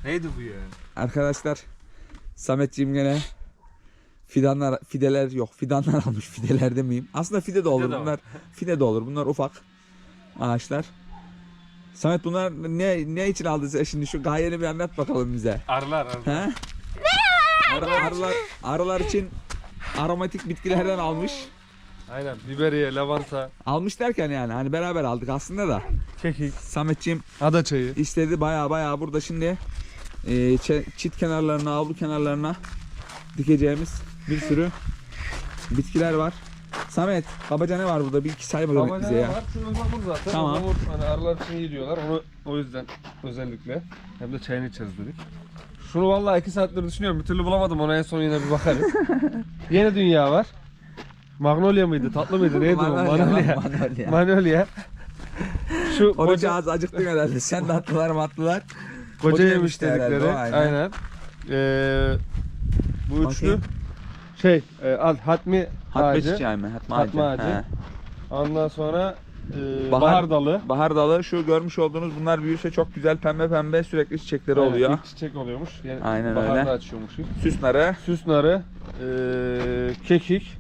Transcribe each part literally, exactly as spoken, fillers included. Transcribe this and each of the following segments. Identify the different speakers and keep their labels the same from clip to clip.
Speaker 1: Neydi bu ya?
Speaker 2: Arkadaşlar Sametciğim gene fidanlar, fideler yok. Fidanlar almış. Fideler demeyeyim. Aslında fide de olur.
Speaker 1: Fide de
Speaker 2: bunlar fide de olur. Bunlar ufak ağaçlar. Samet bunlar ne ne için aldın sen şimdi, şu gayeni bir anlat bakalım bize.
Speaker 1: Arılar arılar.
Speaker 2: He? Ar arılar, arılar için aromatik bitkilerden almış.
Speaker 1: Aynen, biberiye, lavanta,
Speaker 2: Almış derken yani hani beraber aldık aslında da.
Speaker 1: kekik,
Speaker 2: Sametciğim
Speaker 1: ada çayı.
Speaker 2: istedi baya baya burada şimdi e, çit kenarlarına, avlu kenarlarına dikeceğimiz bir sürü bitkiler var. Samet, kabaca ne var burada? Bir iki say bakalım bize ya.
Speaker 1: Var, şu ıhlamur zaten.
Speaker 2: Tamam.
Speaker 1: Ihlamur, hani arılar için iyi diyorlar. Onu o yüzden özellikle. Hem de çayını içeriz dedik. Şunu vallahi iki saattir düşünüyorum. Bir türlü bulamadım. Ona en son yine bir bakarız. Yeni dünya var. Magnolia mıydı? Tatlı mıydı? Neydi o?
Speaker 2: Manolya,
Speaker 1: Manolya.
Speaker 2: Manolya.
Speaker 1: Manolya. Şu
Speaker 2: Onun
Speaker 1: koca,
Speaker 2: ağzı acıktın herhalde. Sen de attılar mı attılar.
Speaker 1: koca
Speaker 2: koca
Speaker 1: yemiş
Speaker 2: yemişti herhalde
Speaker 1: dedikleri.
Speaker 2: o, aynen.
Speaker 1: Aynen. Ee, bu üçlü
Speaker 2: Bakayım.
Speaker 1: şey e, al hatmi
Speaker 2: Hatme
Speaker 1: ağacı.
Speaker 2: çiçeği mi? Hatme
Speaker 1: Hatme
Speaker 2: ağacı.
Speaker 1: ağacı.
Speaker 2: He.
Speaker 1: Ondan sonra e,
Speaker 2: Bahar-
Speaker 1: bahar, dalı.
Speaker 2: Bahar dalı, şu görmüş olduğunuz bunlar büyürse çok güzel pembe pembe sürekli çiçekleri
Speaker 1: Aynen,
Speaker 2: oluyor.
Speaker 1: ilk çiçek oluyormuş. Yani
Speaker 2: Aynen
Speaker 1: baharda
Speaker 2: öyle.
Speaker 1: açıyormuş.
Speaker 2: Süs narı,
Speaker 1: Süs narı, e, kekik.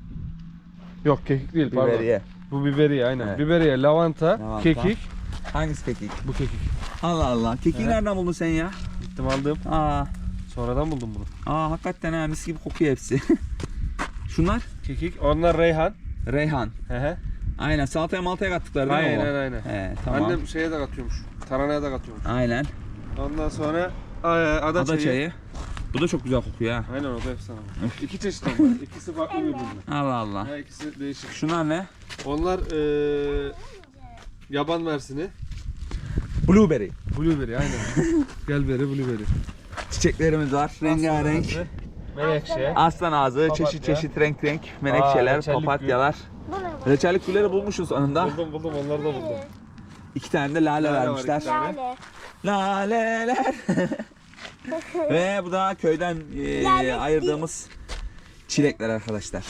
Speaker 1: Yok kekik değil pardon.
Speaker 2: biberiye.
Speaker 1: Bu biberiye aynen.
Speaker 2: Evet.
Speaker 1: Biberiye, lavanta,
Speaker 2: Lavanta.
Speaker 1: kekik.
Speaker 2: Hangisi kekik?
Speaker 1: Bu kekik.
Speaker 2: Allah Allah. Kekiği
Speaker 1: Evet.
Speaker 2: nereden buldun sen ya?
Speaker 1: Gittim aldım.
Speaker 2: Aa,
Speaker 1: Sonradan buldum bunu.
Speaker 2: aa hakikaten ha, mis gibi kokuyor hepsi. Şunlar
Speaker 1: Kekik. Onlar reyhan.
Speaker 2: reyhan.
Speaker 1: He he.
Speaker 2: Aynen, salataya maltaya kattıkları değil mi
Speaker 1: Aynen
Speaker 2: o?
Speaker 1: aynen.
Speaker 2: He, tamam.
Speaker 1: Annem şeye de katıyormuş. Taranaya da katıyormuş.
Speaker 2: Aynen.
Speaker 1: Ondan sonra e, ada,
Speaker 2: Ada
Speaker 1: çayı.
Speaker 2: çayı. Bu da çok güzel kokuyor ha.
Speaker 1: Aynen, o da efsane. İki çeşit onlar. İkisi farklı birbirine.
Speaker 2: Allah Allah.
Speaker 1: Ha, ikisi değişik.
Speaker 2: Şunlar ne?
Speaker 1: Onlar e, yaban mersini.
Speaker 2: Blueberry.
Speaker 1: Blueberry aynen. Gelberi, blueberry.
Speaker 2: Çiçeklerimiz var. Rengarenk.
Speaker 1: Aslan ağzı, Menekşe.
Speaker 2: Aslan ağzı,
Speaker 1: Papatya.
Speaker 2: çeşit çeşit renk renk menekşeler,
Speaker 1: Aa, reçellik gül.
Speaker 2: papatyalar. Reçellik gülleri bulmuşuz sonunda.
Speaker 1: Buldum buldum, onları da buldum.
Speaker 2: İki tane de lale,
Speaker 1: Lale var,
Speaker 2: vermişler.
Speaker 1: iki tane.
Speaker 3: Lale.
Speaker 2: Laleler. Ve bu da köyden e,
Speaker 3: Lale
Speaker 2: ayırdığımız çilekler arkadaşlar.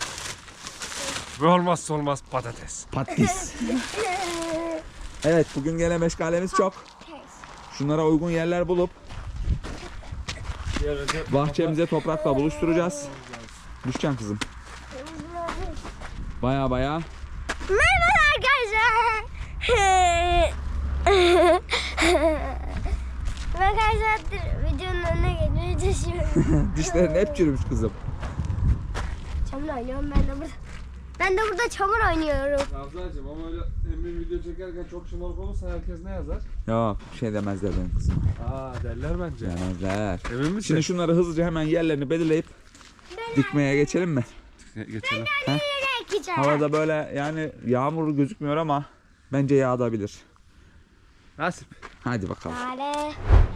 Speaker 1: Ve olmazsa olmaz patates.
Speaker 2: Patates. Evet, bugün gene meşgalemiz çok. Şunlara uygun yerler bulup bahçemize toprakla buluşturacağız. Düşeceksin kızım. Baya baya.
Speaker 3: Merhaba arkadaşlar. Ben kaç saattir videonun önüne geçmeye çalışıyorum.
Speaker 2: Dişlerin hep çürümüş kızım.
Speaker 3: Çamur oynuyorum ben de burada. Ben de burada çamur oynuyorum.
Speaker 1: Ravzacığım ama öyle emin video çekerken çok şımarık olursa herkes ne yazar?
Speaker 2: Yok, bir şey demezler benim kızıma.
Speaker 1: Aa derler bence.
Speaker 2: Demezler.
Speaker 1: Emin misin?
Speaker 2: Şimdi şunları hızlıca hemen yerlerini belirleyip dikmeye geçelim mi?
Speaker 1: geçelim.
Speaker 3: Nereye gideceğim?
Speaker 2: Havada böyle yani yağmur gözükmüyor ama bence yağabilir.
Speaker 1: Nasip.
Speaker 2: Hadi bakalım.
Speaker 3: Lale.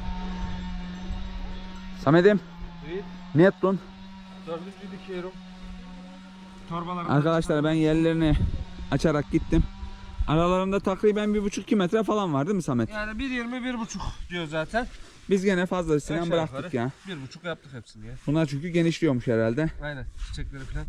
Speaker 2: Samet'im,
Speaker 1: İyi.
Speaker 2: ne yaptın?
Speaker 1: Dördüncü dikiyorum. Torbalarım.
Speaker 2: Arkadaşlar ben yerlerini açarak gittim. Aralarında takriben bir buçuk iki metre falan var değil mi Samet?
Speaker 1: Yani bir yirmi bir buçuk diyor zaten.
Speaker 2: Biz gene fazlasıyla
Speaker 1: Aşağı
Speaker 2: bıraktık
Speaker 1: yukarı
Speaker 2: ya.
Speaker 1: Bir buçuk yaptık hepsini ya.
Speaker 2: Bunlar çünkü genişliyormuş herhalde.
Speaker 1: Aynen, çiçekleri falan.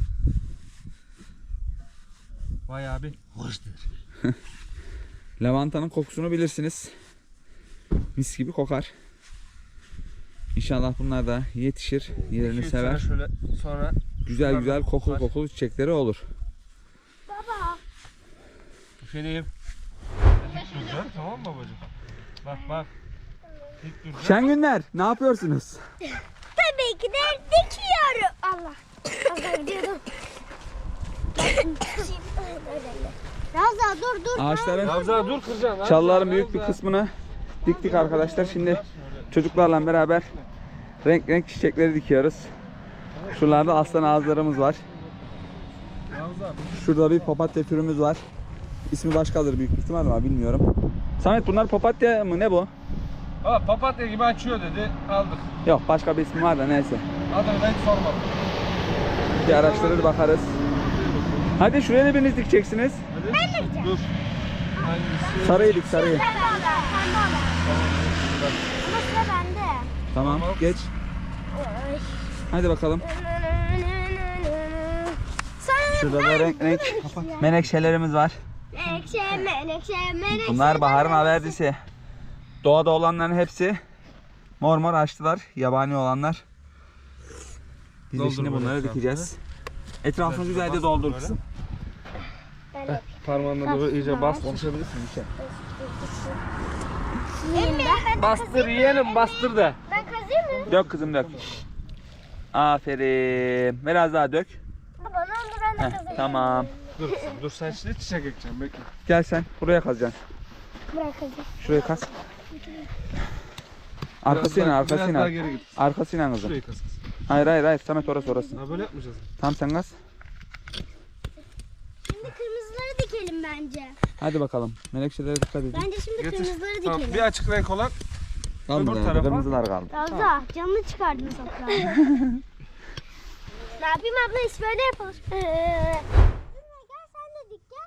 Speaker 1: Bayağı bir hoştur.
Speaker 2: Lavantanın kokusunu bilirsiniz. Mis gibi kokar. İnşallah bunlar da yetişir, yerini
Speaker 1: İki üç
Speaker 2: sever.
Speaker 1: sene şöyle sonra
Speaker 2: Güzel
Speaker 1: bunlar
Speaker 2: güzel
Speaker 1: da
Speaker 2: kokulu
Speaker 1: kokar.
Speaker 2: kokulu çiçekleri olur.
Speaker 3: Baba.
Speaker 1: Üşeneyim. İlk duracağım, tamam mı babacığım? Bak bak. İlk duracağım.
Speaker 2: Şen günler, ne yapıyorsunuz?
Speaker 3: Tabii ki de dikiyorum. Allah. Allah gidiyordum. Ravza dur dur.
Speaker 2: Ağaçların,
Speaker 1: Ravza dur kıracaksın.
Speaker 2: çalıların büyük bir kısmını diktik arkadaşlar. Şimdi çocuklarla beraber renk renk çiçekleri dikiyoruz. Şuralarda aslan ağızlarımız var.
Speaker 1: Ravza.
Speaker 2: Şurada bir papatya türümüz var. İsmi başkadır büyük ihtimal ama bilmiyorum. Samet, bunlar papatya mı, ne bu?
Speaker 1: Aa, papatya gibi açıyor dedi. Aldık.
Speaker 2: Yok, başka bir ismi var da neyse.
Speaker 1: Adını da hiç sormadım.
Speaker 2: Bir araştırır bakarız. Hadi şuraya da biriniz dikeceksiniz.
Speaker 1: Hadi. Ben de dur. Hangisi?
Speaker 2: Sarıyı dik, sarıyı.
Speaker 3: Pembe olan. Pembe olan. Ama sıra bende.
Speaker 2: Tamam,
Speaker 1: Tamam.
Speaker 2: geç.
Speaker 3: Oy.
Speaker 2: Hadi bakalım.
Speaker 3: Sonra
Speaker 2: Şurada da renk renk menekşelerimiz var.
Speaker 3: menekşe, menekşe, menekşe.
Speaker 2: Bunlar baharın haverdisi. Doğada olanların hepsi Mor mor açtılar yabani olanlar. Biz de
Speaker 1: Doldur
Speaker 2: şimdi
Speaker 1: böyle
Speaker 2: bunları
Speaker 1: etrafını.
Speaker 2: dikeceğiz. Etrafını
Speaker 1: Güzel
Speaker 2: güzelce
Speaker 1: bastır
Speaker 2: doldur
Speaker 1: böyle.
Speaker 2: kızım.
Speaker 3: Ben
Speaker 1: Parmağınla böyle iyice bas.
Speaker 2: Konuşabilirsin bir şey.
Speaker 3: Emre ben,
Speaker 1: Bastır yeğenim bastır da.
Speaker 3: ben kazıyım mı?
Speaker 2: Dök kızım dök. Aferin. Biraz daha dök.
Speaker 3: Baba ne olur ben de
Speaker 2: Heh,
Speaker 3: kazıyım.
Speaker 2: tamam.
Speaker 1: Dur dur sen şimdi çiçek ekeceğim bekle.
Speaker 2: Gel sen buraya kazacaksın.
Speaker 3: Bırak kazıyım.
Speaker 2: Şuraya kaz.
Speaker 1: Biraz
Speaker 2: Arkasıyla
Speaker 1: daha- Biraz daha
Speaker 2: arkasıyla.
Speaker 1: geri git.
Speaker 2: Arkasıyla kızım.
Speaker 1: Şurayı kaz kız.
Speaker 2: Hayır hayır hayır Samet orası orası.
Speaker 1: Ha böyle yapmayacağız.
Speaker 2: Tam sen kaz.
Speaker 3: Şimdi kırmızıları dikelim bence.
Speaker 2: Hadi bakalım. Menekşelere dikkat edin.
Speaker 3: Bence şimdi
Speaker 1: Getir.
Speaker 3: kırmızıları
Speaker 1: Tamam,
Speaker 3: dikelim.
Speaker 1: bir açık renk olan
Speaker 2: Kalmadı
Speaker 1: öbür
Speaker 2: yani,
Speaker 1: tarafa.
Speaker 2: kırmızılar kaldı.
Speaker 3: Ravza canını çıkardın toprağa. Ne yapayım abla iş böyle yapalım. Ee, gel sen de dik gel.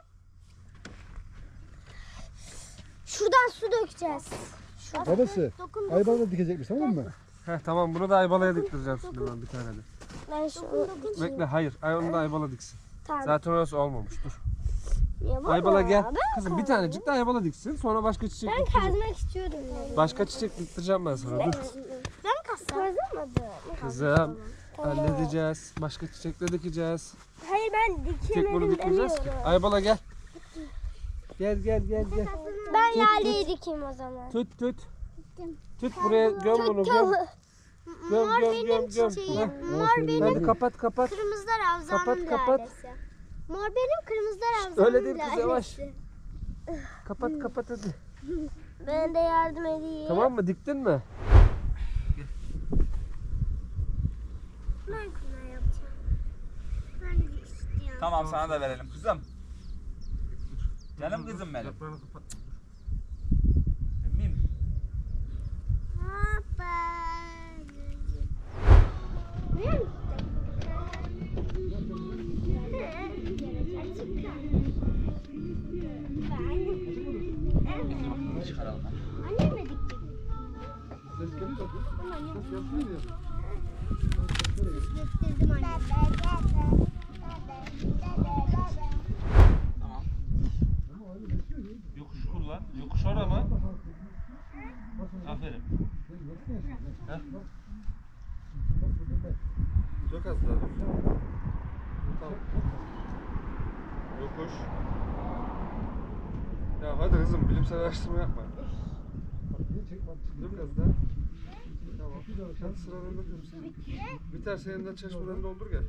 Speaker 3: Şuradan su dökeceğiz. Şuradan.
Speaker 4: Babası,
Speaker 3: Dokun dokun.
Speaker 4: Aybal'da dikecekmiş tamam mı?
Speaker 1: Heh tamam bunu da Aybala'ya diktireceğim şimdi ben bir tane de.
Speaker 3: Ben şu
Speaker 1: Bekle hayır ay onu da Aybala diksin.
Speaker 3: Tamam.
Speaker 1: Zaten orası olmamış dur.
Speaker 3: Ya baba,
Speaker 1: Aybala gel.
Speaker 3: ben
Speaker 1: Kızım bir tanecik de Aybala diksin sonra başka çiçek
Speaker 3: Ben
Speaker 1: diktireceğim.
Speaker 3: kazmak istiyorum. Yani.
Speaker 1: Başka çiçek diktireceğim ben sana dur.
Speaker 3: Ben kazsam. Kazamadım.
Speaker 1: Kızım halledeceğiz. Başka çiçekle dikeceğiz.
Speaker 3: Hayır ben
Speaker 1: Tek bunu
Speaker 3: dikemedim
Speaker 1: dikmeyeceğiz ki.
Speaker 3: demiyorum.
Speaker 1: Aybala gel. Gel gel gel gel.
Speaker 3: Ben laleyi dikeyim o zaman.
Speaker 1: Tut tut. Tut buraya göm bunu göm. Göm
Speaker 3: Mor
Speaker 1: göm
Speaker 3: benim
Speaker 1: göm göm.
Speaker 3: çiçeğim.
Speaker 1: Heh.
Speaker 3: Mor benim.
Speaker 1: Hadi kapat kapat.
Speaker 3: Kırmızı da Ravza'nın
Speaker 1: Kapat, kapat.
Speaker 3: lalesi. Mor benim, kırmızı da Ravza'nın
Speaker 1: Öyle değil kız,
Speaker 3: lalesi.
Speaker 1: yavaş. Kapat kapat hadi.
Speaker 3: Ben de yardım edeyim.
Speaker 1: Tamam mı? Diktin mi?
Speaker 3: Ben kına yapacağım. Ben de istiyorum.
Speaker 2: Tamam sana da verelim kızım. Canım kızım benim.
Speaker 1: Yaprağını kapat.
Speaker 2: Emmim.
Speaker 3: Hoppa. Biliyor musun?
Speaker 2: Çıkaralım.
Speaker 3: Annem de dikecek. Diktirdim anne.
Speaker 2: Tamam.
Speaker 1: Yokuş kullan. Yokuş ora mı? Aferin. Heh. Çok az daha. Tamam. Yokuş. Ya hadi kızım bilimsel araştırma yapma. Dur biraz daha. Tamam. Hadi sıralarında dursun. Biterse yeniden çeşmeden doldur gel.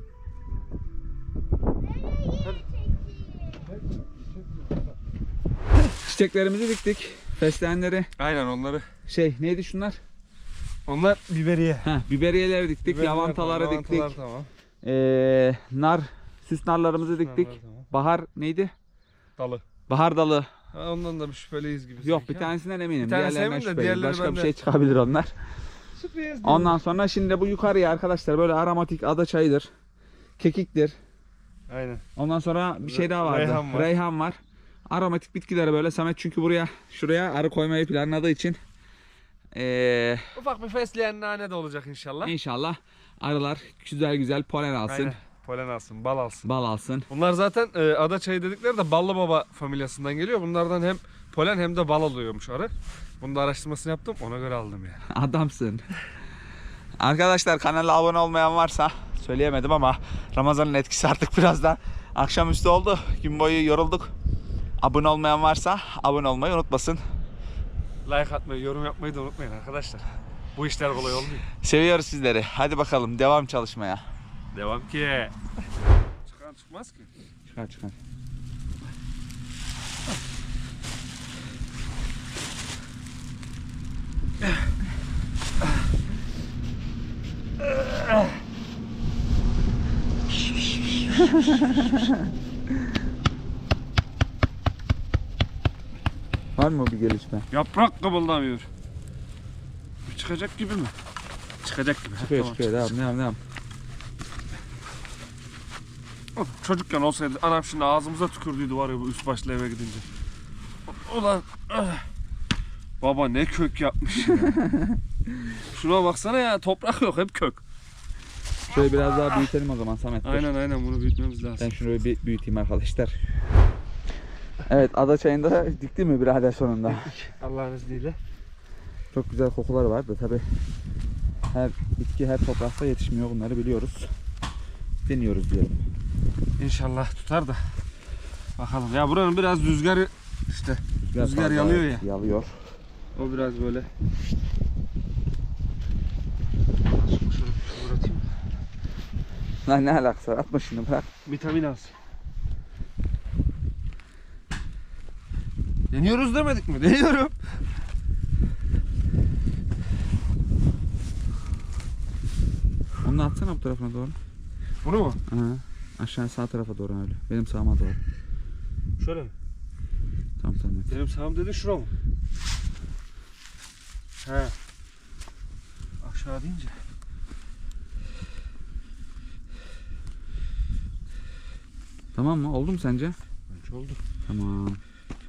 Speaker 1: Hadi.
Speaker 2: Çiçeklerimizi diktik. Fesleğenleri.
Speaker 1: Aynen onları.
Speaker 2: Şey neydi şunlar?
Speaker 1: Onlar biberiye.
Speaker 2: Heh, biberiyeleri diktik.
Speaker 1: Biberiyeler
Speaker 2: Lavantaları
Speaker 1: tamam,
Speaker 2: diktik.
Speaker 1: lavantalar tamam.
Speaker 2: Ee, nar, süs narlarımızı diktik.
Speaker 1: Narlar tamam.
Speaker 2: Bahar neydi?
Speaker 1: Dalı.
Speaker 2: Bahar dalı.
Speaker 1: Ha, ondan da bir şüpheliyiz gibi.
Speaker 2: Yok
Speaker 1: sanki
Speaker 2: bir
Speaker 1: ha.
Speaker 2: tanesinden eminim.
Speaker 1: Bir tanesi
Speaker 2: Diğerlerinden
Speaker 1: eminim de
Speaker 2: şüpheliyim.
Speaker 1: diğerleri
Speaker 2: Başka bir
Speaker 1: bende.
Speaker 2: şey çıkabilir onlar.
Speaker 1: Şüpheliyiz.
Speaker 2: Ondan sonra şimdi bu yukarıya arkadaşlar böyle aromatik ada çayıdır. Kekiktir.
Speaker 1: Aynen.
Speaker 2: Ondan sonra bir şey daha vardı.
Speaker 1: Reyhan var.
Speaker 2: Reyhan var. Aromatik bitkileri böyle Samet çünkü buraya şuraya arı koymayı planladığı için ee,
Speaker 1: Ufak bir fesleğen nane de olacak inşallah.
Speaker 2: inşallah arılar güzel güzel polen alsın.
Speaker 1: Aynen. Polen alsın, bal alsın.
Speaker 2: Bal alsın.
Speaker 1: Bunlar zaten e, ada çayı dedikleri de Ballı Baba familyasından geliyor. Bunlardan hem polen hem de bal alıyormuş arı. Bunu da araştırmasını yaptım. Ona göre aldım yani.
Speaker 2: Adamsın. Arkadaşlar kanala abone olmayan varsa söyleyemedim ama Ramazan'ın etkisi artık biraz da akşamüstü oldu. Gün boyu yorulduk. Abone olmayan varsa abone olmayı unutmasın.
Speaker 1: Like atmayı, yorum yapmayı da unutmayın arkadaşlar. Bu işler kolay olmuyor.
Speaker 2: Seviyoruz sizleri. Hadi bakalım devam çalışmaya.
Speaker 1: Devam ki. Çıkan çıkmaz ki.
Speaker 2: Çıkar çıkar. Var mı bir gelişme?
Speaker 1: Yaprak kıpıldamıyor. Bu çıkacak gibi mi? Çıkacak gibi.
Speaker 2: Çıkıyor
Speaker 1: Tamam,
Speaker 2: çıkıyor. Devam devam devam.
Speaker 1: Of, çocukken olsaydı anam şimdi ağzımıza tükürdüydü var ya bu üst başlı eve gidince. Ulan ah. Baba ne kök yapmış ya. Şuna baksana ya toprak yok hep kök.
Speaker 2: Şöyle biraz daha büyütelim o zaman Samet. dur.
Speaker 1: Aynen aynen bunu büyütmemiz lazım.
Speaker 2: Ben şunu bir büyüteyim arkadaşlar. Evet ada çayında dikti mi birader sonunda?
Speaker 1: Allah'ın izniyle.
Speaker 2: Çok güzel kokuları vardı tabi. bitki her toprakta yetişmiyor. Bunları biliyoruz. Deniyoruz diyelim.
Speaker 1: İnşallah tutar da. Bakalım. Ya buranın biraz rüzgarı işte. Rüzgar
Speaker 2: fazla
Speaker 1: yalıyor ya.
Speaker 2: Yalıyor.
Speaker 1: O biraz böyle. Şunu şöyle fırlatayım.
Speaker 2: Lan ne alakası var? Atma şunu bırak.
Speaker 1: Vitamin alsın. Deniyoruz demedik mi? Deniyorum.
Speaker 2: Onu da atsana bu tarafına doğru.
Speaker 1: Bunu mu?
Speaker 2: Ha, aşağı sağ tarafa doğru öyle. Benim sağıma doğru.
Speaker 1: Şöyle mi?
Speaker 2: Tamam tamam.
Speaker 1: Benim sağım dedi şura mı? He. Aşağı deyince.
Speaker 2: Tamam mı? Oldu mu sence?
Speaker 1: Bence oldu.
Speaker 2: Tamam.